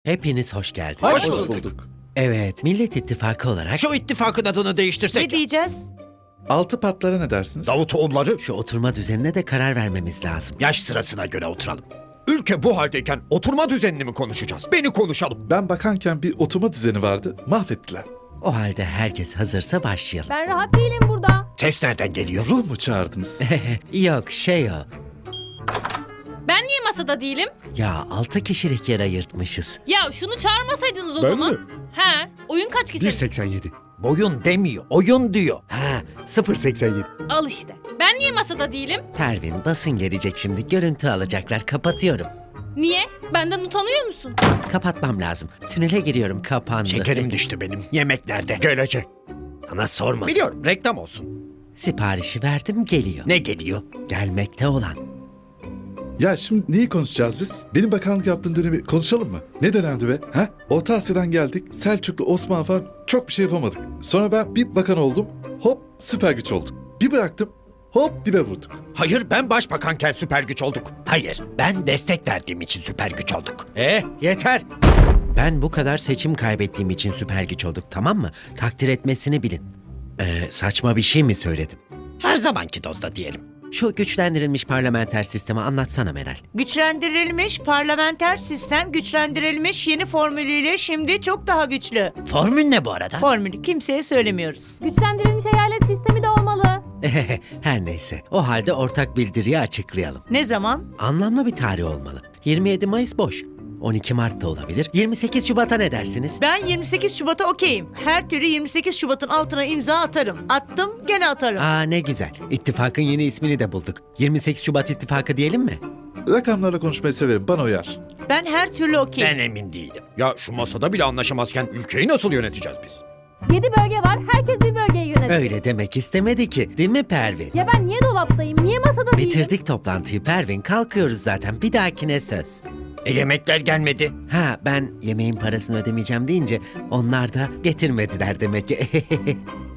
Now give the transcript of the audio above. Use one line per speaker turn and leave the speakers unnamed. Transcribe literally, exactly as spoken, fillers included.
Hepiniz hoş geldiniz.
Hoş bulduk.
Evet, Millet İttifakı olarak
Şu ittifakın adını değiştirsek.
Ne diyeceğiz?
Altı patlara ne dersiniz?
Davutoğulları
şu oturma düzenine de karar vermemiz lazım.
yaş sırasına göre oturalım. Ülke bu haldeyken oturma düzenini mi konuşacağız? Beni konuşalım.
Ben bakanken bir oturma düzeni vardı, mahvettiler.
O halde herkes hazırsa başlayalım.
Ben rahat değilim burada.
Ses nereden geliyor?
Ruh mu çağırdınız?
Yok, şey o.
Ben niye masada değilim?
Ya altı kişilik yer ayırtmışız.
Ya şunu çağırmasaydınız o
Ben
zaman.
mi?
He, oyun kaç kişi?
seksen yedi. Boyun demiyor, oyun diyor.
Ha,
sıfır seksen yedi.
Al işte. Ben niye masada değilim?
Pervin basın gelecek şimdi. Görüntü alacaklar. Kapatıyorum.
Niye? Benden utanıyor musun?
Kapatmam lazım. Tünele giriyorum. Kapandı.
Şekerim düştü benim. Yemek nerede? Gelecek.
Sana sorma.
Biliyorum, reklam olsun.
Siparişi verdim, geliyor.
Ne geliyor?
Gelmekte olan.
Ya şimdi neyi konuşacağız biz? Benim bakanlık yaptığım dönemi konuşalım mı? Ne dönemdi be? Ha? Orta Asya'dan geldik, Selçuklu, Osmanlı falan çok bir şey yapamadık. Sonra ben bir bakan oldum, hop süper güç olduk. Bir bıraktım, hop dibe vurduk.
Hayır, ben başbakanken süper güç olduk. Hayır, ben destek verdiğim için süper güç olduk.
Eh, yeter. Ben bu kadar seçim kaybettiğim için süper güç olduk, tamam mı? Takdir etmesini bilin. Ee, saçma bir şey mi söyledim?
Her zamanki dozda diyelim.
Şu güçlendirilmiş parlamenter sistemi anlatsana Meral.
Güçlendirilmiş parlamenter sistem güçlendirilmiş yeni formülüyle şimdi çok daha güçlü.
Formül ne bu arada?
Formülü kimseye söylemiyoruz.
Güçlendirilmiş eyalet sistemi de olmalı.
Her neyse, o halde ortak bildiriyi açıklayalım.
Ne zaman?
Anlamlı bir tarih olmalı. yirmi yedi Mayıs boş. on iki Mart da olabilir. yirmi sekiz Şubat'a ne dersiniz?
Ben yirmi sekiz Şubat'a okeyim. Her türlü yirmi sekiz Şubat'ın altına imza atarım. Attım, gene atarım.
Aa, ne güzel. İttifakın yeni ismini de bulduk. yirmi sekiz Şubat İttifakı diyelim mi?
Rakamlarla konuşmayı severim, bana uyar.
Ben her türlü okeyim.
Ben emin değilim. Ya şu masada bile anlaşamazken ülkeyi nasıl yöneteceğiz biz?
Yedi bölge var. Herkes bir bölgeyi yönetir.
Öyle demek istemedi ki. Değil mi Pervin?
Ya ben niye dolaptayım? Niye masada değilim?
Bitirdik toplantıyı Pervin. Kalkıyoruz zaten. Bir dahakine söz.
E yemekler gelmedi.
Ha, ben yemeğin parasını ödemeyeceğim deyince onlar da getirmediler demek ki.